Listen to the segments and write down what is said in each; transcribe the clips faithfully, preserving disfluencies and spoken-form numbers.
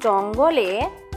জঙ্গলে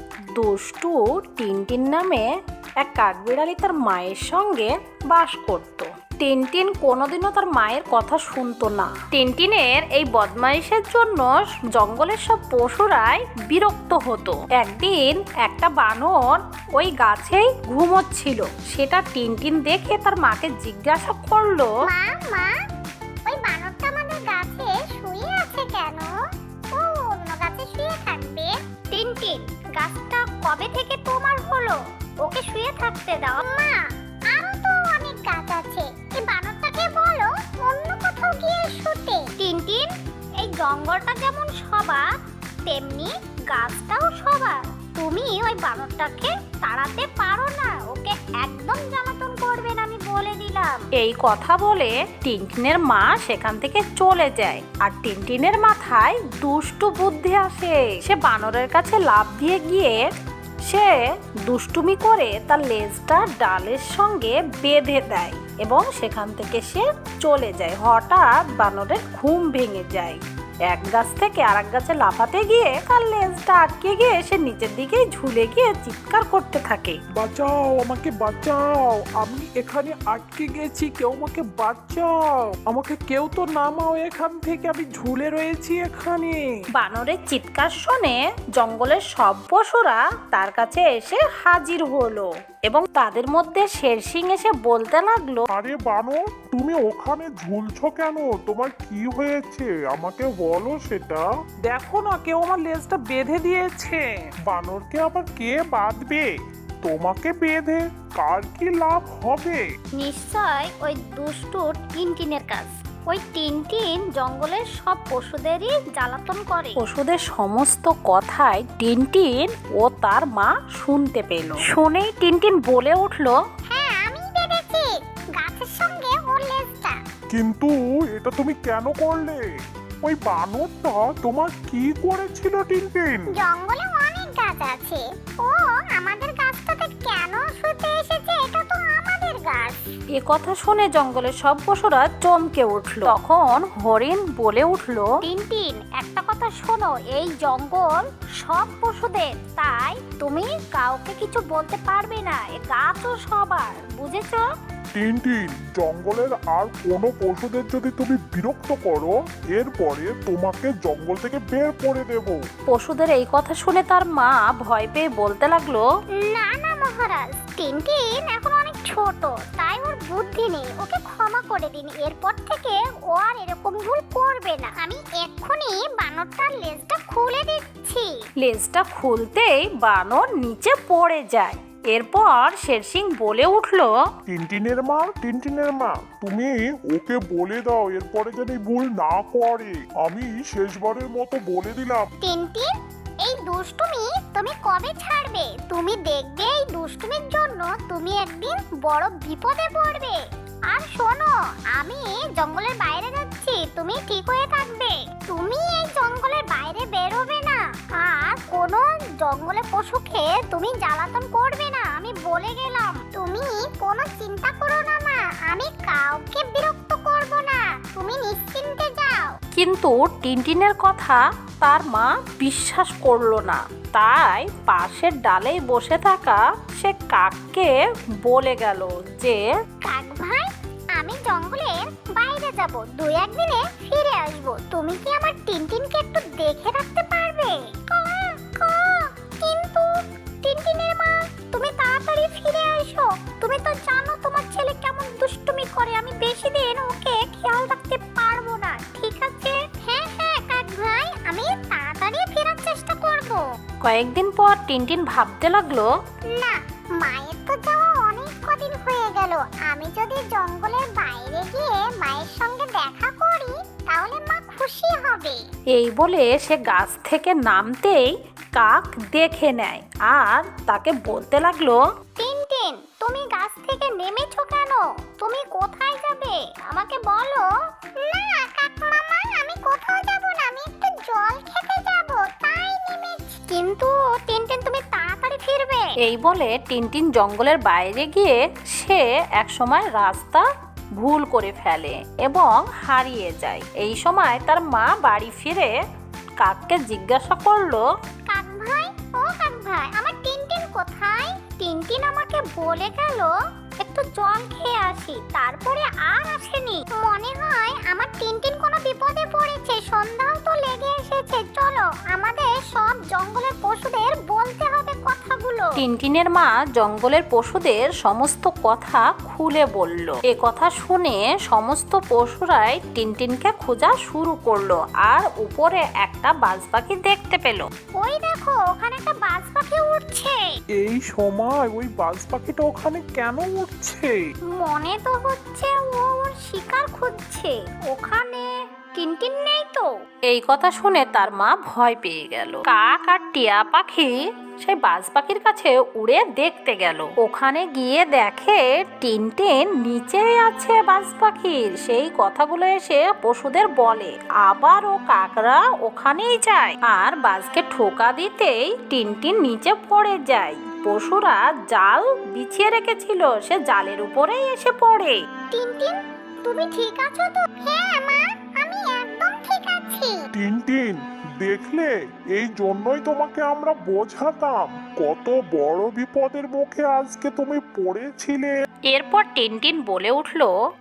দুষ্টু টিনটিন নামে এক কাঠবিড়ালি তার মায়ের সঙ্গে বাস করত। টিনটিন কোনোদিনও তার মায়ের কথা শুনতো না। টিনটিনের এই বদমাইশের জন্য জঙ্গলের সব পশুরাই বিরক্ত হতো। একদিন একটা বানর ওই গাছেই ঘুমোচ্ছিল। সেটা টিনটিন দেখে তার মাকে জিজ্ঞাসা করলো, মা মা ওই বানরটা আমাদের গাছে শুয়ে আছে কেন? ও অন্য গাছে শুয়ে থাকবে। টিনটিন, গাছটা কবে থেকে তোমার হলো? ওকে শুয়ে থাকতে দাও। মা, আরো তো অনেক গাছ আছে, এই বানরটাকে বলো অন্য কোথাও গিয়ে শুতে। টিনটিন, এই জঙ্গলটা যেমন সবার তেমনি গাছটাও সবার। তুমি ওই বানরটাকে তাড়াতে পারো না। ওকে একদম জ্বালাতন করবে না, আমি বলে দিলাম। এই কথা বলে টিনটিনের মা সেখান থেকে চলে যায়। আর টিনটিনের মাথায় দুষ্টু বুদ্ধি আসে। সে বানরের কাছে লাফ দিয়ে গিয়ে সে দুষ্টুমি করে তার লেজটা ডালের সঙ্গে বেঁধে দেয় এবং সেখান থেকে সে চলে যায়। হঠাৎ বানরের ঘুম ভেঙে যায়। এক গাছ থেকে আরেক গাছে লাফাতে গিয়ে তার লেজটা আটকে গিয়ে সে নিচের দিকে ঝুলে গিয়ে চিৎকার করতে থাকে, বাঁচাও, আমাকে বাঁচাও, আমি এখানে আটকে গেছি, কেউ আমাকে বাঁচাও, আমাকে কেউ তো নামাও এখান থেকে, আমি ঝুলে রয়েছি এখানে। বানরের চিৎকার শুনে জঙ্গলের সব পশুরা তার কাছে এসে হাজির হলো এবং তাদের মধ্যে শেরসিং এসে বলতে লাগলো, আরে বানর, তুমি ওখানে ঝুলছো কেন? তোমার কি হয়েছে? আমাকে বলো সেটা। দেখো না, কেউ আমার লেজটা বেঁধে দিয়েছে। বানরকে আবার কে বাঁধবে? তোমাকে বেঁধে কার কি লাভ হবে? নিশ্চয় ওই দুষ্টু টিনটিনের কাজ। ওই টিনটিন জঙ্গলের সব পশুদেরই জ্বালাতন করে। পশুদের সমস্ত কথাই টিনটিন ও তার মা শুনতে পেল। শুনেই টিনটিন বলে উঠলো, হ্যাঁ, আমি বেঁধেছি গাছের সঙ্গে ওর লেজটা। কিন্তু এটা তুমি কেন করলে? ওই বানরটা তোমার কি করেছিল টিনটিন? জঙ্গলে অনেক গাছ আছে, ও আমাদের গাছটাতে কেন শুতে এসেছে? এটা তো আমাদের গাছ। এ কথা শুনে জঙ্গলের সব পশুরা চমকে উঠলো। তখন হরিণ বলে উঠলো, টিনটিন, একটা কথা শোনো, এই জঙ্গল সব পশুদের, তাই তুমি কাউকে কিছু বলতে পারবে না। এ গাছও সবার, বুঝেছো? টিনটিন, জঙ্গলের আর কোনো পশুদের যদি তুমি বিরক্ত করো, এরপরে তোমাকে জঙ্গল থেকে বের করে দেব। পশুদের এই কথা শুনে তার মা ভয় পেয়ে বলতে লাগলো, না না মহারাজ, টিনটিন এখন অনেক ছোট, তাই ওর বুদ্ধি নেই। ওকে ক্ষমা করে দিন। এরপর থেকে ও আর এরকম ভুল করবে না। আমি এক্ষুনি বানরটার লেজটা খুলে দিচ্ছি। লেজটা খুলতেই বানর নিচে পড়ে যায়। এরপর শেরসিং বলে উঠলো, টিনটিনের মা, টিনটিনের মা, তুমি ওকে বলে দাও এরপরে যেন এই ভুল না করে। আমি শেষবারের মতো বলে দিলাম। টিনটিন, এই দুষ্টুমি তুমি কবে ছাড়বে? তুমি দেখবে এই দুষ্টুমির জন্য তুমি একদিন বড় বিপদে পড়বে। আর শোনো, আমি জঙ্গলের বাইরে যাচ্ছি, তুমি ঠিক হয়ে থাকবে। তুমি এই জঙ্গলের বাইরে বেরোবে না, আর কোনো জঙ্গলে পশুকে তুমি জ্বালাতন করবে না, আমি বলে গেলাম। তুমি কোনো চিন্তা করো না মা, আমি কাউকে বিরক্ত করব না, তুমি নিশ্চিন্তে যাও। কিন্তু টিনটিনের কথা তার মা বিশ্বাস করলো না। তাই পাশের ডালেই বসে থাকা সে কাককে বলে গেল যে, কাক ভাই, আমি জঙ্গলের বাইরে যাব, দুই একদিনে ফিরে আসব। তুমি কি আমার টিনটিনকে একটু দেখে রাখতে পারবে? কিন্তু টিনটিনের মা, তুমি তাড়াতাড়ি ফিরে আসো। তুমি তো জানো তোমার ছেলে কেমন দুষ্টুমি করে। আমি বেশি দিন ওকে খেয়াল রাখতে পারবো না, ঠিক আছে? হ্যাঁ হ্যাঁ কাক ভাই, আমি তাড়াতাড়ি ফেরার চেষ্টা করব। কয়েকদিন পর টিনটিন ভাবতে লাগলো, না, মায়ের তো যাওয়া অনেক কদিন হয়ে গেল। আমি যদি জঙ্গলের বাইরে গিয়ে মায়ের সঙ্গে দেখা করি, তাহলে মা খুশি হবে। এই বলে সে গাছ থেকে নামতেই কাক দেখে নেয় আর তাকে বলতে লাগলো, টিনটিন, তুমি গাছ থেকে নেমেছো কেন? তুমি কোথায় যাবে আমাকে বলো। না কাক মামা, আমি কোথাও যাব না, আমি একটু জল খেতে যাব, তাই নেমেছি। কিন্তু টিনটিন, তুমি তাড়াতাড়ি ফিরবে। এই বলে টিনটিন জঙ্গলের বাইরে গিয়ে সে একসময় রাস্তা ভুল করে ফেলে এবং হারিয়ে যায়। এই সময় তার মা বাড়ি ফিরে কাককে জিজ্ঞাসা করলো, কাক ভাই, ও কাক ভাই, আমার টিনটিন কোথায়? টিনটিন আমাকে বলে গেল একটু জল খেয়ে আসি, তারপরে আর আসেনি। মনে হয় আমার টিনটিন কোনো বিপদে পড়েছে। সন্ধ্যাও তো লেগে এসেছে, চলো আমাদের সব জঙ্গলের পশুদের বলতে হবে কথাগুলো। টিনটিনের মা জঙ্গলের পশুদের সমস্ত কথা খুলে বলল। এ কথা শুনে সমস্ত পশুরাই টিনটিনকে খোঁজা শুরু করলো আর উপরে একটা বাজ পাখি দেখতে পেল। ওই দেখো, ওখানে একটা বাজ পাখি উঠছে। এই সময় ওই বাজ পাখিটা ওখানে কেন উঠছে? মনে তো হচ্ছে ও ওর শিকার খুঁজছে। ওখানে টিনটিন নেই তো। এই কথা শুনে তার মা ভয় পেয়ে গেল। কাক আর টিয়া পাখি সেই বাজ পাখির কাছে উড়ে দেখতে গেল। ওখানে গিয়ে দেখে টিনটিন নিচেই আছে বাজ পাখির। সেই কথাগুলো এসে পশুদের বলে। আবার ও কাকরা ওখানেই যায় আর বাজকে ঠোকা দিতেই টিনটিন নিচে পড়ে যায়। পশুরা জাল বিছিয়ে রেখেছিল, সে জালের উপরেই এসে পড়ে। টিনটিন, তুমি ঠিক আছো তো? হ্যাঁ মা, আমি একদম ঠিক আছি। টিনটিন, দেখলে, এই জন্যই তোমাকে আমরা বোঝাতাম কত বড় বিপদের মুখে আজকে তুমি পড়েছিলে। এরপর টিনটিন বলে উঠলো,